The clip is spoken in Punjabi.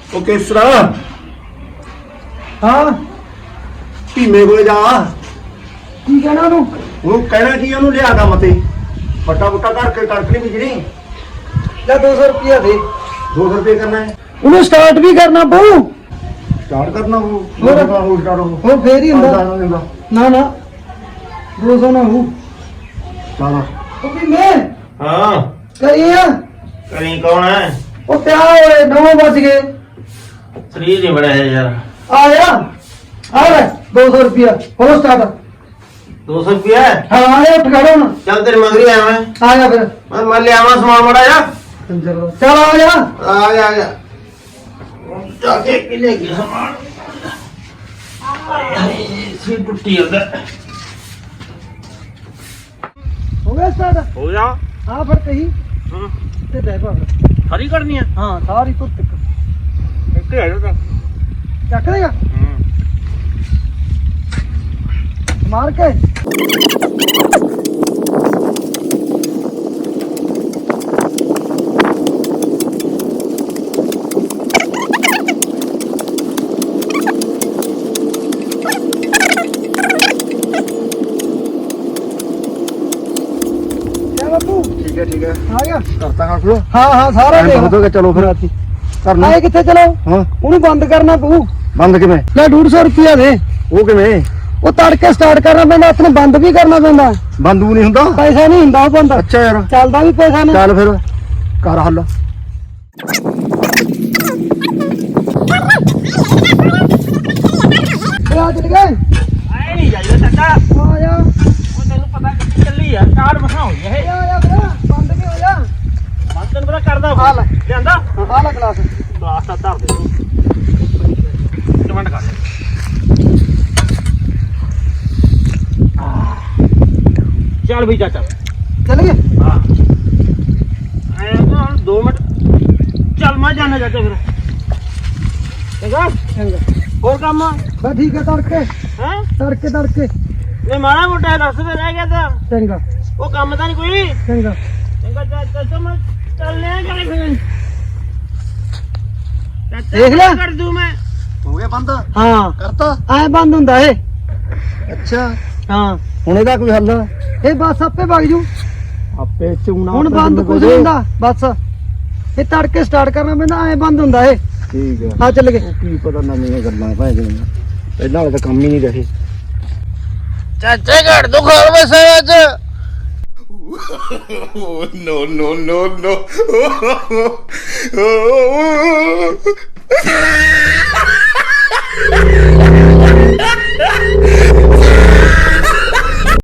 ਉਹ ਕੇਸਰਾ ਹਾਂ ਧੀਮੇ ਕੋਲੇ ਜਾ। ਕੀ ਕਹਿਣਾ ਉਹਨੂੰ? ਉਹਨੂੰ ਕਹਿਣਾ ਕੀ ਉਹਨੂੰ ਲਿਆ ਕੰਮ ਤੇ ਫੱਟਾ ਫੁੱਟਾ ਕਰਕੇ ਕਣਕ ਨਹੀਂ ਬੀਜਣੀ। ਲੈ 200 ਰੁਪਇਆ ਦੇ। 200 ਰੁਪਏ ਕਰਨਾ ਹੈ। ਉਹਨੂੰ ਸਟਾਰਟ ਵੀ ਕਰਨਾ ਪਊ। ਸਟਾਰਟ ਕਰਨਾ ਉਹ ਹੋਰ? ਸਟਾਰਟ ਹੋਰ ਫੇਰ ਹੀ ਹੁੰਦਾ। ਨਾ ਨਾ 200 ਨਾ ਹੋ। ਚਲ ਉਹ ਵੀ ਮੈਂ ਹਾਂ ਕਰੀ ਆ। ਕਰੀ ਕੌਣ ਹੈ? ਉਹ ਪਿਆ ਹੋਏ 9 ਵੱਜ ਗਏ। ਸਰੀਰ ਨਹੀਂ ਬਣਿਆ ਯਾਰ। ਆ ਜਾ ਆ ਲੈ 200 ਰੁਪਇਆ ਹੋ ਸਟਾਰਟ। 200 ਰੁਪਏ ਹਾਂ ਆ ਜਾ ਉੱਠ ਖੜੋ ਨਾ। ਚੱਲ ਤੇਰੇ ਮਗਰੀ ਆਇਆ ਆ ਜਾ ਫਿਰ ਮੈਂ ਲਿਆਵਾਂ ਸਮਾਨ ਮੜਾ ਜਾ। ਚੱਲ ਆ ਜਾ ਆ ਜਾ ਆ ਜਾ ਜਾ ਕੇ ਕਿਲੇ ਗਿਆ ਸਮਾਨ। ਸੀ ਟੁੱਟੀ ਜਾਂਦਾ। ਹੋ ਗਿਆ ਸਟਾਰਟ। ਹੋ ਜਾ। ਹਾਂ ਫਿਰ ਕਹੀ ਹਾਂ ਤੇ ਬੈ ਪਾ। ਸਾਰੀ ਕਰਨੀ ਆ। ਹਾਂ ਸਾਰੀ ਤੁਰ ਤੱਕ ਇੱਥੇ ਆ ਜਾ। ਚੱਕ ਦੇਗਾ ਮਾਰ ਕੇ। ਬਾਪੂ ਠੀਕ ਹੈ ਆ ਗਿਆ। ਕਰਤਾ ਕਰ ਲੋ। ਹਾਂ ਹਾਂ ਸਾਰਾ ਦੇਖ ਹੋ ਗਿਆ। ਚਲੋ ਫਿਰ ਕਰਨਾ ਆਏ ਕਿੱਥੇ ਚਲੋ। ਹਾਂ ਉਹਨੂੰ ਬੰਦ ਕਰਨਾ ਪਊ। ਬੰਦ ਕਿਵੇਂ? ਲੈ 150 ਰੁਪਇਆ ਦੇ। ਉਹ ਕਿਵੇਂ? ਉਹ ਤੜਕੇ ਸਟਾਰਟ ਕਰਨਾ ਪੈਂਦਾ ਆਪਣੇ ਬੰਦ ਵੀ ਕਰਨਾ ਪੈਂਦਾ। ਬੰਦੂ ਨਹੀਂ ਹੁੰਦਾ। ਪੈਸਾ ਨਹੀਂ ਹੁੰਦਾ ਉਹ ਬੰਦ। ਅੱਛਾ ਯਾਰ ਚੱਲਦਾ ਵੀ ਪੈਸਾ ਨਹੀਂ। ਚੱਲ ਫਿਰ ਕਰ ਹੱਲ। ਆ ਚੱਲ ਗਏ। ਆਏ ਨਹੀਂ ਜਾਈਦਾ ਚਾਚਾ। ਆ ਜਾ ਉਹ ਤੈਨੂੰ ਪਤਾ ਕਿੱਥੇ ਚੱਲੀ ਆ ਕਾਰ ਮਸਾਂ ਹੋਈ ਇਹ। ਆ ਜਾ ਫਿਰ ਬੰਦ ਵੀ ਹੋ ਜਾ। ਬੰਦ ਤੈਨੂੰ ਪਤਾ ਕਰਦਾ ਆ ਲੈ। ਲਿਆਂਦਾ ਆ ਲੈ ਗਲਾਸ। ਗਲਾਸ ਤਾਂ ਧਰ ਦੇ ਤੂੰ। ਕਮੈਂਟ ਕਰ ਚੱਲ ਵੀ ਚਾਚਾ। ਚੱਲ ਗਏ। ਹਾਂ ਐ ਤਾਂ ਹੁਣ 2 ਮਿੰਟ ਚੱਲ ਮੈਂ ਜਾਣਾ ਚਾਚਾ ਫਿਰ। ਚੰਗਾ ਚੰਗਾ ਹੋਰ ਕੰਮ ਬਸ ਠੀਕ ਹੈ ਤੜਕੇ ਹੈ ਤੜਕੇ ਨੇ ਮਾੜਾ ਮੋਟਾ ਦੱਸ ਦੇ ਰਹਿ ਗਿਆ ਤਾਂ ਚੰਗਾ ਉਹ ਕੰਮ ਤਾਂ ਨਹੀਂ ਕੋਈ। ਚੰਗਾ ਚੰਗਾ ਚਾਚਾ ਮੈਂ ਚੱਲਨੇ ਕਰੇ ਫਿਰ। ਦੇਖ ਲੈ। ਕਰ ਦੂੰ ਮੈਂ। ਹੋ ਗਿਆ ਬੰਦ। ਹਾਂ ਕਰਤਾ। ਐ ਬੰਦ ਹੁੰਦਾ ਇਹ। ਅੱਛਾ ਹਾਂ ਹੁਣ ਇਹਦਾ ਕੋਈ ਹੱਲ? ਇਹ ਬਸ ਆਪੇ ਵਗ ਜੂ। ਆਪੇ ਚੂਣਾ ਹੁਣ ਬੰਦ ਕੁਝ ਨਹੀਂ ਹੁੰਦਾ ਬਸ ਇਹ ਤੜਕੇ ਸਟਾਰਟ ਕਰਨਾ ਪੈਂਦਾ। ਐ ਬੰਦ ਹੁੰਦਾ ਇਹ। ਠੀਕ ਹੈ। ਆ ਚੱਲ ਗਏ। ਉਹ ਕੀ ਪਤਾ ਨਵੀਆਂ ਗੱਲਾਂ ਭਾਈ ਜੀ ਪਹਿਲਾਂ ਵਾਲੇ ਤਾਂ ਕੰਮ ਹੀ ਨਹੀਂ ਰਹੇ। ਚਾਚੇ ਘੜ ਦੋ ਖੋਲ ਵਸੇ ਅੱਜ। no.